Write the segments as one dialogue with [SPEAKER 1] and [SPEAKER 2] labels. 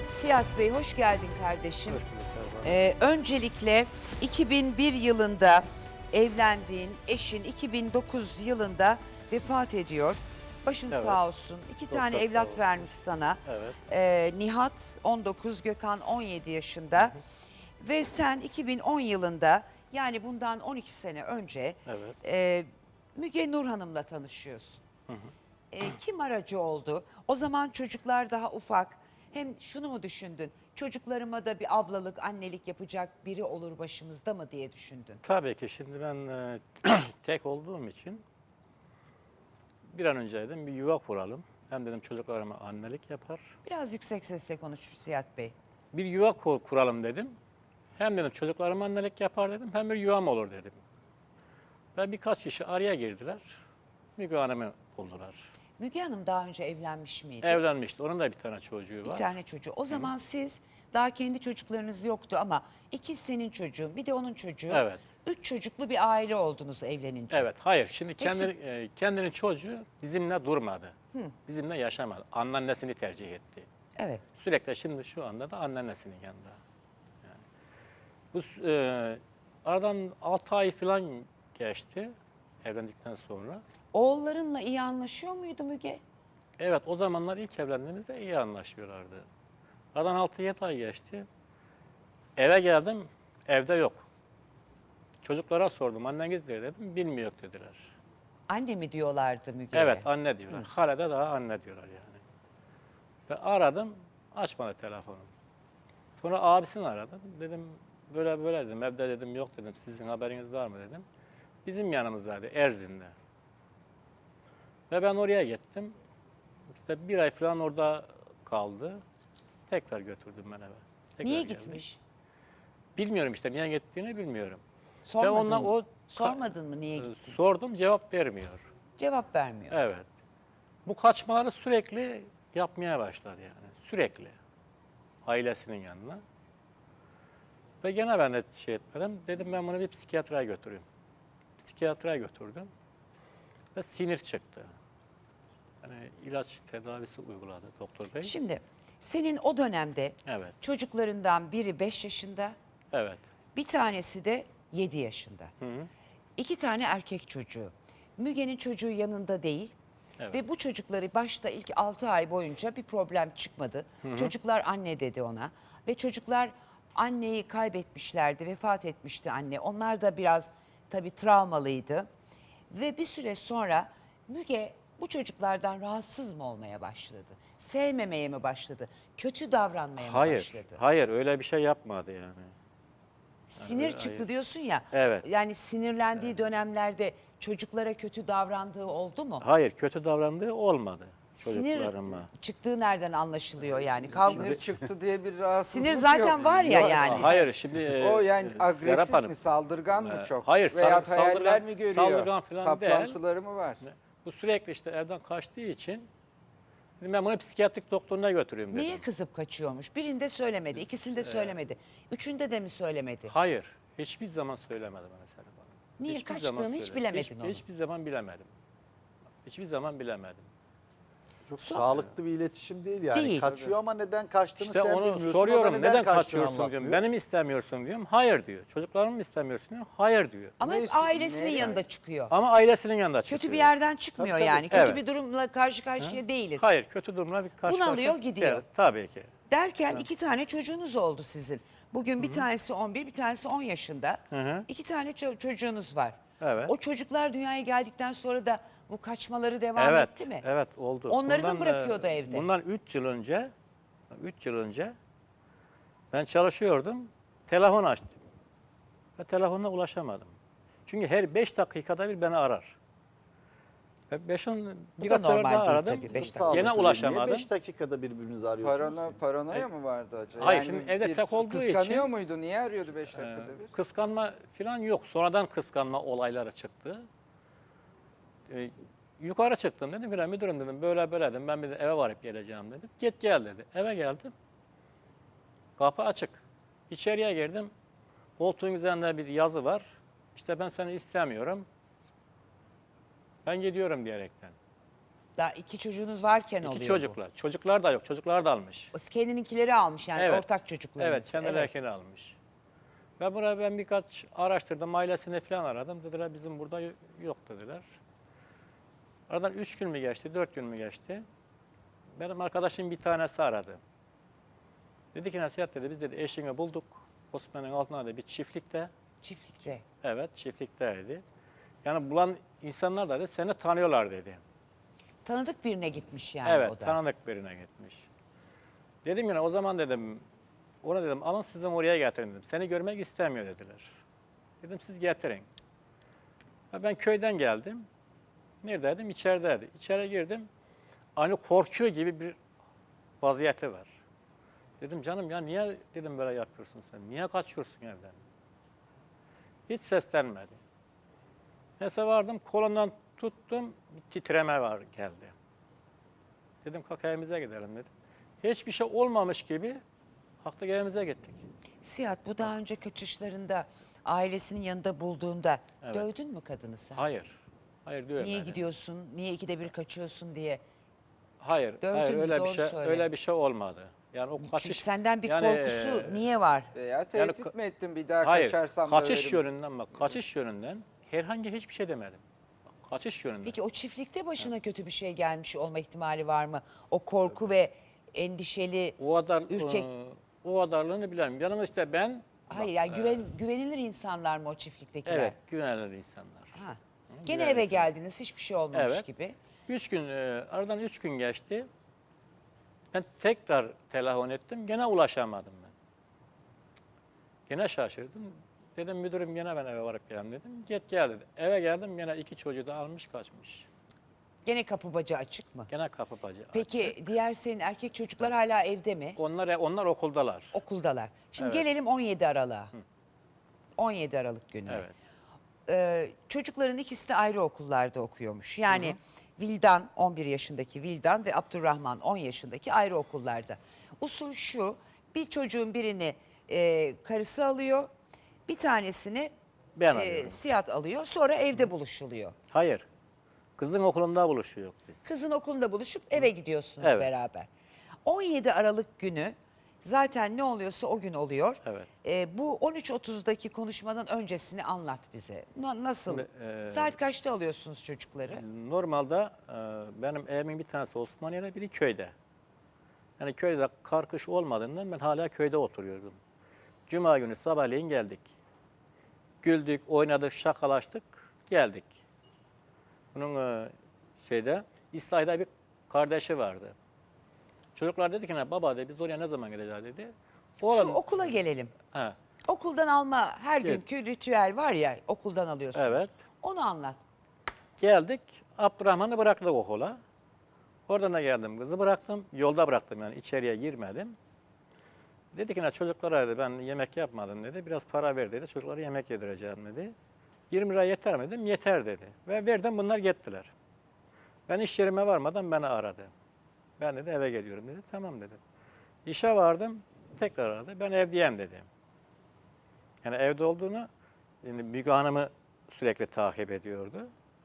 [SPEAKER 1] Siyah Bey hoş geldin kardeşim.
[SPEAKER 2] Hoş bulduk Serap Hanım.
[SPEAKER 1] Öncelikle 2001 yılında evlendiğin eşin 2009 yılında vefat ediyor. Başın
[SPEAKER 2] Evet.
[SPEAKER 1] sağ olsun. İki
[SPEAKER 2] Dostlar
[SPEAKER 1] tane
[SPEAKER 2] sağ
[SPEAKER 1] evlat
[SPEAKER 2] olsun.
[SPEAKER 1] vermiş sana.
[SPEAKER 2] Evet.
[SPEAKER 1] Nihat 19, Gökhan 17 yaşında. Ve sen 2010 yılında yani bundan 12 sene önce
[SPEAKER 2] Evet.
[SPEAKER 1] Müge Nur Hanım'la tanışıyorsun. Kim aracı oldu? O zaman çocuklar daha ufak. Hem şunu mu düşündün? Çocuklarıma da bir ablalık, annelik yapacak biri olur başımızda mı diye düşündün?
[SPEAKER 2] Tabii ki şimdi ben tek olduğum için bir an önce dedim bir yuva kuralım. Hem dedim çocuklarıma annelik yapar.
[SPEAKER 1] Biraz yüksek sesle konuş Siyat Bey.
[SPEAKER 2] Bir yuva kuralım dedim. Hem dedim çocuklarıma annelik yapar dedim. Hem bir yuvam olur dedim. Ve birkaç kişi araya girdiler. Müge Hanım'ı buldular.
[SPEAKER 1] Müge Hanım daha önce evlenmiş miydi?
[SPEAKER 2] Evlenmişti. Onun da bir tane çocuğu
[SPEAKER 1] Bir
[SPEAKER 2] var.
[SPEAKER 1] tane çocuğu. O zaman siz daha kendi çocuklarınız yoktu ama iki senin çocuğun bir de onun çocuğu.
[SPEAKER 2] Evet.
[SPEAKER 1] 3 çocuklu bir aile oldunuz evlenince.
[SPEAKER 2] Evet, hayır. Şimdi
[SPEAKER 1] Hepsi-
[SPEAKER 2] kendinin çocuğu bizimle durmadı. Bizimle yaşamadı. Anneannesini tercih etti.
[SPEAKER 1] Evet.
[SPEAKER 2] Sürekli şimdi şu anda da anneannesinin yanında. Yani bu aradan 6 ay falan geçti evlendikten sonra.
[SPEAKER 1] Oğullarınla iyi anlaşıyor muydu Müge?
[SPEAKER 2] Evet, o zamanlar ilk evlendiğimizde iyi anlaşıyorlardı. Aradan 6-7 ay geçti. Eve geldim, evde yok. Çocuklara sordum, anneniz nerede dedim, bilmiyor dediler.
[SPEAKER 1] Anne mi diyorlardı Müge'ye?
[SPEAKER 2] Evet, anne diyorlar. Hala da daha anne diyorlar yani. Ve aradım, açmadı telefonu. Sonra abisini aradım. Dedim, böyle böyle dedim, evde dedim yok dedim, sizin haberiniz var mı dedim. Bizim yanımızdaydı, Erzin'de. Ve ben oraya gittim. İşte bir ay falan orada kaldı. Tekrar götürdüm ben eve. Tekrar
[SPEAKER 1] Niye
[SPEAKER 2] geldik.
[SPEAKER 1] gitmiş?
[SPEAKER 2] Bilmiyorum işte, niye gittiğini bilmiyorum.
[SPEAKER 1] Sormadın
[SPEAKER 2] onunla
[SPEAKER 1] mı? Sormadın mı niye gittin?
[SPEAKER 2] Sordum, cevap vermiyor.
[SPEAKER 1] Cevap vermiyor.
[SPEAKER 2] Evet. Bu kaçmaları sürekli yapmaya başladı yani. Sürekli. Ailesinin yanına. Ve gene ben de şey etmedim. Dedim ben bunu bir psikiyatraya götüreyim. Psikiyatraya götürdüm. Ve sinir çıktı. Yani ilaç tedavisi uyguladı doktor bey.
[SPEAKER 1] Şimdi senin o dönemde
[SPEAKER 2] Evet.
[SPEAKER 1] çocuklarından biri 5 yaşında,
[SPEAKER 2] Evet.
[SPEAKER 1] bir tanesi de 7 yaşında. İki tane erkek çocuğu. Müge'nin çocuğu yanında değil.
[SPEAKER 2] Evet.
[SPEAKER 1] Ve bu çocukları başta ilk 6 ay boyunca bir problem çıkmadı. Çocuklar anne dedi ona. Ve çocuklar anneyi kaybetmişlerdi, vefat etmişti anne. Onlar da biraz tabii travmalıydı. Ve bir süre sonra Müge bu çocuklardan rahatsız mı olmaya başladı? Sevmemeye mi başladı? Kötü davranmaya mı
[SPEAKER 2] Hayır.
[SPEAKER 1] başladı?
[SPEAKER 2] Hayır öyle bir şey yapmadı yani.
[SPEAKER 1] Sinir
[SPEAKER 2] öyle-
[SPEAKER 1] çıktı
[SPEAKER 2] hayır.
[SPEAKER 1] diyorsun ya.
[SPEAKER 2] Evet.
[SPEAKER 1] Yani sinirlendiği dönemlerde çocuklara kötü davrandığı oldu mu?
[SPEAKER 2] Hayır kötü davrandığı olmadı
[SPEAKER 1] Sinir
[SPEAKER 2] çocuklarıma.
[SPEAKER 1] çıktığı nereden anlaşılıyor yani? Kavga.
[SPEAKER 3] Sinir çıktı diye bir rahatsızlık
[SPEAKER 1] Sinir zaten
[SPEAKER 3] yok.
[SPEAKER 1] var ya
[SPEAKER 3] Yok.
[SPEAKER 1] yani.
[SPEAKER 2] Hayır şimdi
[SPEAKER 3] O yani
[SPEAKER 2] Serap
[SPEAKER 3] agresif
[SPEAKER 2] Hanım,
[SPEAKER 3] mi, saldırgan mı çok?
[SPEAKER 2] hayır,
[SPEAKER 3] Veya
[SPEAKER 2] saldırgan-
[SPEAKER 3] hayaller mi görüyor?
[SPEAKER 2] saldırgan falan değil.
[SPEAKER 3] Saplantıları mı var?
[SPEAKER 2] bu sürekli işte evden kaçtığı için dedim ben bunu psikiyatrik doktoruna götüreyim dedim.
[SPEAKER 1] Niye kızıp kaçıyormuş? Birinde söylemedi, ikisinde söylemedi. Üçünde de mi söylemedi?
[SPEAKER 2] Hayır. Hiçbir zaman söylemedi bana Serap Hanım.
[SPEAKER 1] Niye
[SPEAKER 2] Hiçbir
[SPEAKER 1] kaçtığını
[SPEAKER 2] zaman
[SPEAKER 1] hiç
[SPEAKER 2] söylemedi.
[SPEAKER 1] bilemedin onu.
[SPEAKER 2] Hiçbir zaman bilemedim. Hiçbir zaman bilemedim.
[SPEAKER 4] Çok sağlıklı bir iletişim değil yani.
[SPEAKER 1] Değil.
[SPEAKER 4] Kaçıyor ama neden kaçtığını
[SPEAKER 2] İşte
[SPEAKER 4] sen
[SPEAKER 2] onu
[SPEAKER 4] bilmiyorsun. O da
[SPEAKER 2] soruyorum neden
[SPEAKER 4] kaçtığını
[SPEAKER 2] kaçıyorsun diyorum.
[SPEAKER 4] anlatmıyor.
[SPEAKER 2] Beni mi istemiyorsun diyorum. Hayır diyor. Çocuklarımı mı istemiyorsun diyorum. Hayır diyor.
[SPEAKER 1] Ama
[SPEAKER 3] Ne
[SPEAKER 1] hep
[SPEAKER 3] istiyorsun,
[SPEAKER 1] ailesinin
[SPEAKER 3] neye
[SPEAKER 1] yanında
[SPEAKER 3] yani?
[SPEAKER 1] çıkıyor.
[SPEAKER 2] Ama ailesinin yanında çıkıyor.
[SPEAKER 1] Kötü bir yerden çıkmıyor
[SPEAKER 4] Tabii, tabii.
[SPEAKER 1] yani. Kötü
[SPEAKER 2] Evet.
[SPEAKER 1] bir durumla karşı karşıya değiliz.
[SPEAKER 2] Hayır kötü durumla bir karşı
[SPEAKER 1] Bunalıyor,
[SPEAKER 2] karşıya-
[SPEAKER 1] gidiyor.
[SPEAKER 2] Evet, tabii ki.
[SPEAKER 1] Derken iki tane çocuğunuz oldu sizin. Bugün bir tanesi 11, bir tanesi 10 yaşında.
[SPEAKER 2] Hı.
[SPEAKER 1] İki tane çocuğunuz var.
[SPEAKER 2] Evet.
[SPEAKER 1] O çocuklar dünyaya geldikten sonra da bu kaçmaları devam
[SPEAKER 2] Evet.
[SPEAKER 1] etti mi?
[SPEAKER 2] Evet oldu.
[SPEAKER 1] Onları da bırakıyordu evde.
[SPEAKER 2] Bundan 3 yıl önce ben çalışıyordum. Telefon açtım. Ve telefonuna ulaşamadım. Çünkü her 5 dakikada bir beni arar. Ve birkaç sefer
[SPEAKER 1] normal
[SPEAKER 2] daha
[SPEAKER 1] değil
[SPEAKER 2] aradım.
[SPEAKER 1] tabii, 5 dakika.
[SPEAKER 4] Sağlıklı
[SPEAKER 2] Gene
[SPEAKER 4] değil.
[SPEAKER 2] ulaşamadım.
[SPEAKER 4] Niye 5 dakikada birbirinizi arıyorsunuz?
[SPEAKER 3] Paranoya mı vardı acaba?
[SPEAKER 2] Hayır, şimdi evde
[SPEAKER 3] bir
[SPEAKER 2] tek olduğu
[SPEAKER 3] kıskanıyor
[SPEAKER 2] için-
[SPEAKER 3] muydu? Niye arıyordu 5 dakikada bir?
[SPEAKER 2] Kıskanma falan yok. Sonradan kıskanma olayları çıktı. Yukarı çıktım dedim ki müdürüm dedim böyle böyle dedim ben bir de eve varıp geleceğim dedim. Git gel dedi. Eve geldim. Kapı açık. İçeriye girdim. Koltuğun üzerinde bir yazı var. İşte ben seni istemiyorum. Ben gidiyorum diyerekten.
[SPEAKER 1] Daha 2 çocuğunuz varken oluyor
[SPEAKER 2] İki
[SPEAKER 1] bu.
[SPEAKER 2] çocuklar. Çocuklar da yok. Çocuklar da almış.
[SPEAKER 1] O kendininkileri almış yani
[SPEAKER 2] Evet.
[SPEAKER 1] ortak çocuklarınız.
[SPEAKER 2] Evet, kendilerkini almış. Ve buraya ben birkaç araştırdım, ailesini falan aradım. Dediler bizim burada yok dediler. Aradan 3 gün mü geçti, 4 gün mü geçti? Benim arkadaşım bir tanesi aradı. Dedi ki Nasihat dedi, biz dedi eşini bulduk. Osman'ın altında da bir çiftlikte.
[SPEAKER 1] Çiftlikte.
[SPEAKER 2] Evet, çiftlikteydi. Yani bulan insanlar da dedi, seni tanıyorlar dedi.
[SPEAKER 1] Tanıdık birine gitmiş yani
[SPEAKER 2] Evet,
[SPEAKER 1] o da.
[SPEAKER 2] tanıdık birine gitmiş. Dedim yine o zaman dedim, ona dedim alın sizin oraya getirin dedim. Seni görmek istemiyor dediler. Dedim siz getirin. Ha, ben köyden geldim. Neredeydim? İçerideydi. İçeri girdim. Aynı korkuyor gibi bir vaziyeti var. Dedim canım ya niye dedim böyle yapıyorsun sen? Niye kaçıyorsun evden? Hiç seslenmedi. Neyse vardım kolundan tuttum bir titreme var geldi. Dedim kalk evimize gidelim dedim. Hiçbir şey olmamış gibi kalktık evimize gittik.
[SPEAKER 1] Sihat bu daha önce kaçışlarında ailesinin yanında bulduğunda
[SPEAKER 2] Evet.
[SPEAKER 1] dövdün mü kadını sen?
[SPEAKER 2] Hayır. Hayır diyorum.
[SPEAKER 1] Niye gidiyorsun? Niye 2'de 1 kaçıyorsun diye.
[SPEAKER 2] Hayır.
[SPEAKER 1] Dövdün
[SPEAKER 2] Hayır
[SPEAKER 1] mü?
[SPEAKER 2] öyle
[SPEAKER 1] Doğru
[SPEAKER 2] bir şey
[SPEAKER 1] söyle.
[SPEAKER 2] öyle bir şey olmadı. Yani o
[SPEAKER 1] Çünkü
[SPEAKER 2] kaçış
[SPEAKER 1] senden bir
[SPEAKER 2] yani,
[SPEAKER 1] korkusu niye var?
[SPEAKER 3] Veya tehdit
[SPEAKER 2] Yani
[SPEAKER 3] mi ettin bir daha
[SPEAKER 2] hayır.
[SPEAKER 3] kaçarsam
[SPEAKER 2] Kaçış
[SPEAKER 3] döverim.
[SPEAKER 2] yönünden bak. Kaçış yönünden herhangi hiçbir şey demedim. Bak, kaçış yönünden.
[SPEAKER 1] Peki o çiftlikte başına kötü bir şey gelmiş olma ihtimali var mı? O korku ve endişeli,
[SPEAKER 2] O kadar
[SPEAKER 1] ürkek.
[SPEAKER 2] o kadarlığını bilemem. Yanım işte ben
[SPEAKER 1] Hayır yani güvenilir insanlar mı o çiftliktekiler?
[SPEAKER 2] evet güvenilir insanlar.
[SPEAKER 1] Ha. Gene
[SPEAKER 2] güvenilir
[SPEAKER 1] eve
[SPEAKER 2] insanlar.
[SPEAKER 1] geldiniz hiçbir şey olmamış
[SPEAKER 2] Evet.
[SPEAKER 1] gibi.
[SPEAKER 2] 3 gün aradan 3 gün geçti. Ben tekrar telefon ettim. Gene ulaşamadım ben. Gene şaşırdım. Dedim müdürüm gene ben eve varıp gelem dedim. Gel dedi. Eve geldim gene 2 çocuğu da almış kaçmış.
[SPEAKER 1] Gene kapı bacağı açık mı?
[SPEAKER 2] Gene kapı bacı
[SPEAKER 1] Peki
[SPEAKER 2] açık.
[SPEAKER 1] diğer senin erkek çocuklar hala evde mi?
[SPEAKER 2] Onlar okuldalar.
[SPEAKER 1] Okuldalar. Şimdi
[SPEAKER 2] Evet.
[SPEAKER 1] gelelim 17 Aralık'a. 17 Aralık günü.
[SPEAKER 2] Evet.
[SPEAKER 1] Çocukların ikisi de ayrı okullarda okuyormuş. Yani Vildan 11 yaşındaki Vildan ve Abdurrahman 10 yaşındaki ayrı okullarda. Usul şu, bir çocuğun birini karısı alıyor, bir tanesini
[SPEAKER 2] Ben alıyorum.
[SPEAKER 1] Sihat alıyor, sonra evde buluşuluyor.
[SPEAKER 2] Hayır. Kızın okulunda buluşuyor biz.
[SPEAKER 1] Kızın okulunda buluşup eve gidiyorsunuz
[SPEAKER 2] Evet.
[SPEAKER 1] beraber. 17 Aralık günü zaten ne oluyorsa o gün oluyor.
[SPEAKER 2] Evet.
[SPEAKER 1] Bu 13.30'daki konuşmadan öncesini anlat bize. Nasıl?
[SPEAKER 2] Şimdi,
[SPEAKER 1] Saat kaçta alıyorsunuz çocukları?
[SPEAKER 2] Normalde benim evimin bir tanesi Osmaniye'de, biri köyde. Yani köyde kar kış olmadığından ben hala köyde oturuyordum. Cuma günü sabahleyin geldik. Güldük, oynadık, şakalaştık, geldik. Bunun İslahi'de bir kardeşi vardı. Çocuklar dedi ki ne baba dedi, biz oraya ne zaman gideceğiz dedi.
[SPEAKER 1] Şu
[SPEAKER 2] Oğlum,
[SPEAKER 1] okula gelelim.
[SPEAKER 2] he,
[SPEAKER 1] Okuldan alma her
[SPEAKER 2] Evet.
[SPEAKER 1] günkü ritüel var ya okuldan alıyorsunuz.
[SPEAKER 2] Evet.
[SPEAKER 1] Onu anlat.
[SPEAKER 2] geldik, Abdurrahman'ı bıraktık okula. Oradan da geldim, kızı bıraktım. Yolda bıraktım yani içeriye girmedim. Dedi ki ne çocuklara dedi, ben yemek yapmadım dedi. Biraz para ver dedi, çocuklara yemek yedireceğim dedi. 20 lira yeter mi dedim, yeter dedi. Ve verdim bunlar gittiler. Ben iş yerime varmadan beni aradı. Ben dedi eve geliyorum dedi, tamam dedim. İşe vardım, tekrar aradı, ben evdeyim dedi. Yani evde olduğunu, yani Müge Hanım'ı sürekli takip ediyordu.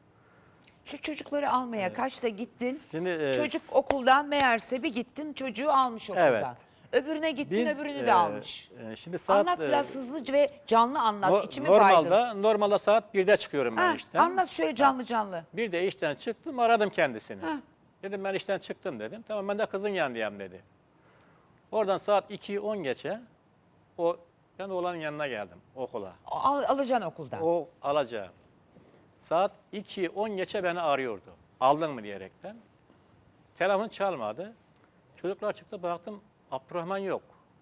[SPEAKER 1] Şu çocukları almaya kaçta gittin?
[SPEAKER 2] Şimdi,
[SPEAKER 1] Çocuk okuldan meğerse bir gittin çocuğu almış okuldan.
[SPEAKER 2] Evet.
[SPEAKER 1] Öbürüne gittin
[SPEAKER 2] Biz,
[SPEAKER 1] öbürünü de almış.
[SPEAKER 2] Şimdi saat
[SPEAKER 1] Anlat biraz hızlı ve canlı anlat. İçimi baydın.
[SPEAKER 2] normalde saat 1'de çıkıyorum ben
[SPEAKER 1] Ha,
[SPEAKER 2] işten.
[SPEAKER 1] anlat şöyle canlı canlı.
[SPEAKER 2] Bir de işten çıktım, aradım kendisini.
[SPEAKER 1] Ha.
[SPEAKER 2] Dedim ben işten çıktım dedim. Tamam ben de kızın yanındayım dedi. Oradan saat 2'yi 10 geçe ben oğlanın yanına geldim okula.
[SPEAKER 1] Alacaksın okuldan.
[SPEAKER 2] O alacağım. Saat 2'yi 10 geçe beni arıyordu. Aldın mı diyerekten. Telefon çalmadı. Çocuklar çıktı baktım Abdurrahman yok.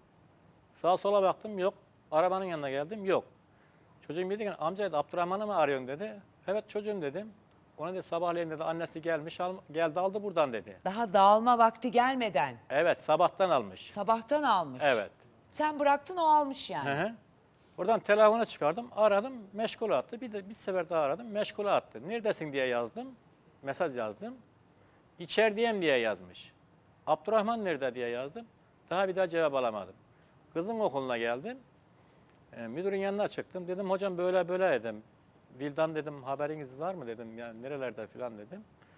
[SPEAKER 2] Sağa sola baktım yok. Arabanın yanına geldim yok. Çocuğum dedi ki amca dedi, Abdurrahman'ı mı arıyorsun dedi. Evet çocuğum dedim. Ona dedi sabahleyin dedi annesi gelmiş geldi aldı buradan dedi.
[SPEAKER 1] Daha dağılma vakti gelmeden
[SPEAKER 2] Evet sabahtan almış.
[SPEAKER 1] sabahtan almış.
[SPEAKER 2] Evet.
[SPEAKER 1] Sen bıraktın o almış yani.
[SPEAKER 2] Hı hı. Oradan telefonu çıkardım aradım meşgule attı. Bir sefer daha aradım meşgule attı. Neredesin diye yazdım. Mesaj yazdım. İçerideyim diye yazmış. Abdurrahman nerede diye yazdım. Daha bir daha cevap alamadım. Kızın okuluna geldim. Müdürün yanına çıktım. Dedim hocam böyle böyle dedim. Vildan dedim haberiniz var mı dedim. Yani nerelerde falan dedim.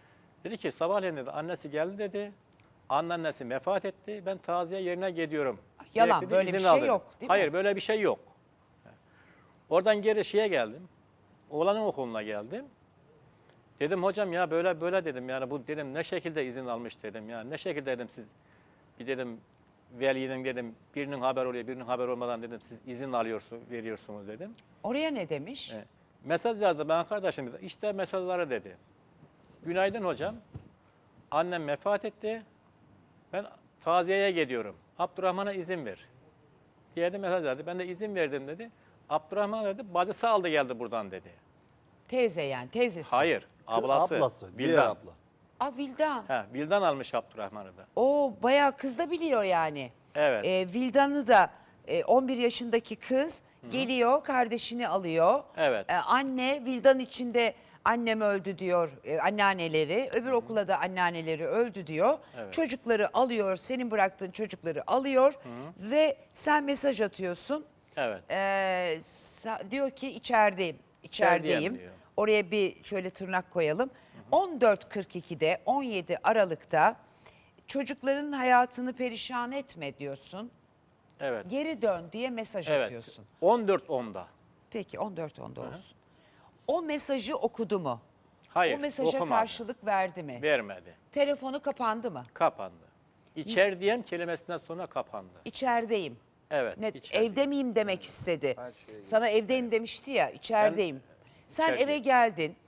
[SPEAKER 2] Dedi ki sabahleyin dedi annesi geldi dedi. Anneannesi vefat etti. Ben taziye yerine gidiyorum.
[SPEAKER 1] Yalan,
[SPEAKER 2] Gerekli
[SPEAKER 1] böyle bir
[SPEAKER 2] izin
[SPEAKER 1] şey
[SPEAKER 2] aldı.
[SPEAKER 1] yok, değil mi?
[SPEAKER 2] Hayır böyle bir şey yok. Oradan geri şeye geldim. Oğlanın okuluna geldim. Dedim hocam ya böyle böyle dedim yani bu dedim ne şekilde izin almış dedim ya ne şekilde dedim siz bir dedim velinin dedim birinin haber oluyor birinin haber olmadan dedim siz izin veriyorsunuz dedim.
[SPEAKER 1] Oraya ne demiş?
[SPEAKER 2] Mesaj yazdı ben kardeşim işte mesajları dedi. Günaydın hocam. Annem vefat etti. Ben taziyeye gidiyorum. Abdurrahman'a izin ver. Bir yerde mesaj yazdı. Ben de izin verdim dedi. Abdurrahman dedi bacısı aldı geldi buradan dedi.
[SPEAKER 1] Teyze yani, teyzesi.
[SPEAKER 2] Hayır. Ablası.
[SPEAKER 4] Ablası. Diğer
[SPEAKER 2] Vildan.
[SPEAKER 4] abla.
[SPEAKER 1] Aa, Vildan.
[SPEAKER 2] Vildan almış Abdurrahman'ı da.
[SPEAKER 1] O bayağı kız da biliyor yani.
[SPEAKER 2] Evet.
[SPEAKER 1] Vildan'ı da 11 yaşındaki kız geliyor, kardeşini alıyor.
[SPEAKER 2] Evet.
[SPEAKER 1] Anne Vildan içinde annem öldü diyor anneanneleri. Öbür okula da anneanneleri öldü diyor.
[SPEAKER 2] Evet.
[SPEAKER 1] Çocukları alıyor, senin bıraktığın çocukları alıyor ve sen mesaj atıyorsun.
[SPEAKER 2] Evet.
[SPEAKER 1] Diyor ki içerideyim. İçerideyim.
[SPEAKER 2] diyor.
[SPEAKER 1] Oraya bir şöyle tırnak koyalım. 14.42'de 17 Aralık'ta çocukların hayatını perişan etme diyorsun.
[SPEAKER 2] Evet.
[SPEAKER 1] Geri dön diye mesaj
[SPEAKER 2] Evet.
[SPEAKER 1] atıyorsun.
[SPEAKER 2] 14.10'da.
[SPEAKER 1] Peki 14.10'da olsun. O mesajı okudu mu?
[SPEAKER 2] Hayır.
[SPEAKER 1] O mesaja
[SPEAKER 2] okumadı.
[SPEAKER 1] karşılık verdi mi?
[SPEAKER 2] Vermedi.
[SPEAKER 1] Telefonu kapandı mı?
[SPEAKER 2] Kapandı. İçerideyim kelimesinden sonra kapandı.
[SPEAKER 1] İçerideyim.
[SPEAKER 2] Evet.
[SPEAKER 1] Net,
[SPEAKER 2] içerideyim.
[SPEAKER 1] evde miyim demek istedi.
[SPEAKER 3] Her şey
[SPEAKER 1] Sana evdeyim demişti ya, içerideyim. Sen
[SPEAKER 2] içerideyim.
[SPEAKER 1] eve geldin.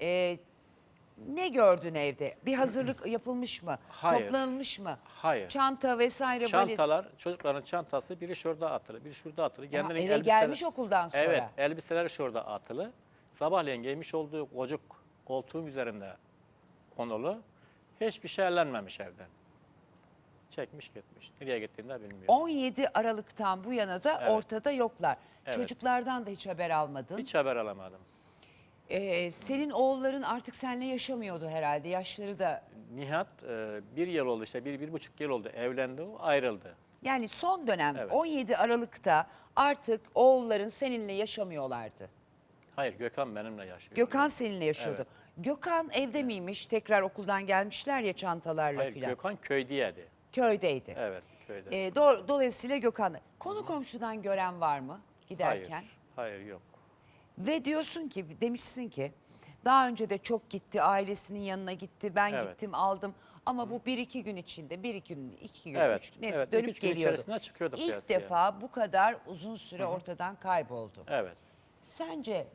[SPEAKER 1] Ne gördün evde? Bir hazırlık yapılmış mı?
[SPEAKER 2] Hayır.
[SPEAKER 1] Toplanılmış mı?
[SPEAKER 2] Hayır.
[SPEAKER 1] Çanta vesaire valiz.
[SPEAKER 2] Çantalar, çocukların çantası biri şurada atılı, biri şurada atılı. Kendinin
[SPEAKER 1] eve gelmiş okuldan sonra.
[SPEAKER 2] Evet, elbiseleri şurada atılı. Sabahleyin giymiş olduğu kocuk koltuğun üzerinde konulu. Hiçbir şey ellenmemiş evden. Çekmiş gitmiş. Nereye gittiğini de bilmiyorum.
[SPEAKER 1] 17 Aralık'tan bu yana da
[SPEAKER 2] Evet.
[SPEAKER 1] ortada yoklar.
[SPEAKER 2] Evet.
[SPEAKER 1] Çocuklardan da hiç haber almadın.
[SPEAKER 2] Hiç haber alamadım.
[SPEAKER 1] Senin oğulların artık seninle yaşamıyordu herhalde. Yaşları da
[SPEAKER 2] Nihat bir yıl oldu işte, bir buçuk yıl oldu. Evlendi o, ayrıldı.
[SPEAKER 1] yani son dönem
[SPEAKER 2] Evet.
[SPEAKER 1] 17 Aralık'ta artık oğulların seninle yaşamıyorlardı.
[SPEAKER 2] Hayır, Gökhan benimle yaşıyor.
[SPEAKER 1] Gökhan seninle yaşıyordu.
[SPEAKER 2] Evet.
[SPEAKER 1] Gökhan evde miymiş? Tekrar okuldan gelmişler ya çantalarla
[SPEAKER 2] Hayır,
[SPEAKER 1] filan.
[SPEAKER 2] Gökhan köydeydi.
[SPEAKER 1] Köydeydi.
[SPEAKER 2] Evet, köyde.
[SPEAKER 1] Dolayısıyla Gökhan. Konu komşudan gören var mı giderken?
[SPEAKER 2] Hayır, yok.
[SPEAKER 1] Ve diyorsun ki, demişsin ki daha önce de çok gitti, ailesinin yanına gitti, ben
[SPEAKER 2] Evet.
[SPEAKER 1] gittim aldım. Ama bu 1-2 gün içinde, 1-2 gün, 2 gün,
[SPEAKER 2] Evet,
[SPEAKER 1] 3 gün, neyse
[SPEAKER 2] evet,
[SPEAKER 1] dönüp
[SPEAKER 2] 2-3 gün
[SPEAKER 1] geliyordu.
[SPEAKER 2] içerisinde çıkıyordu
[SPEAKER 1] İlk
[SPEAKER 2] piyasaya.
[SPEAKER 1] defa bu kadar uzun süre ortadan kayboldu.
[SPEAKER 2] Evet.
[SPEAKER 1] Sence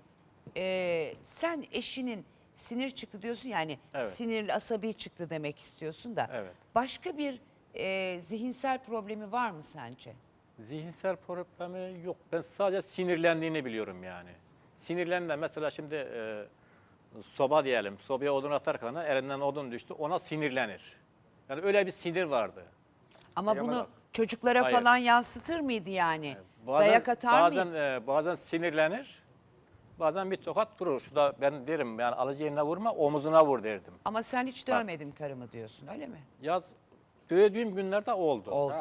[SPEAKER 1] sen eşinin sinir çıktı diyorsun yani
[SPEAKER 2] Evet.
[SPEAKER 1] sinirli, asabi çıktı demek istiyorsun da.
[SPEAKER 2] Evet.
[SPEAKER 1] Başka bir zihinsel problemi var mı sence?
[SPEAKER 2] Zihinsel problemi yok. Ben sadece sinirlendiğini biliyorum yani. Sinirlendi mesela şimdi soba diyelim. Sobaya odun atarken elinden odun düştü. Ona sinirlenir. Yani öyle bir sinir vardı.
[SPEAKER 1] Ama
[SPEAKER 3] Bilemem.
[SPEAKER 1] bunu çocuklara
[SPEAKER 2] Hayır.
[SPEAKER 1] falan yansıtır mıydı yani?
[SPEAKER 2] Bazen,
[SPEAKER 1] Dayak atar
[SPEAKER 2] bazen,
[SPEAKER 1] mıydı?
[SPEAKER 2] bazen sinirlenir. Bazen bir tokat durur. Şurada ben derim yani alıcı yerine vurma omuzuna vur derdim.
[SPEAKER 1] Ama sen hiç dövmedin karımı diyorsun öyle mi?
[SPEAKER 2] Yaz dövdüğüm günlerde oldu.
[SPEAKER 1] Oldu.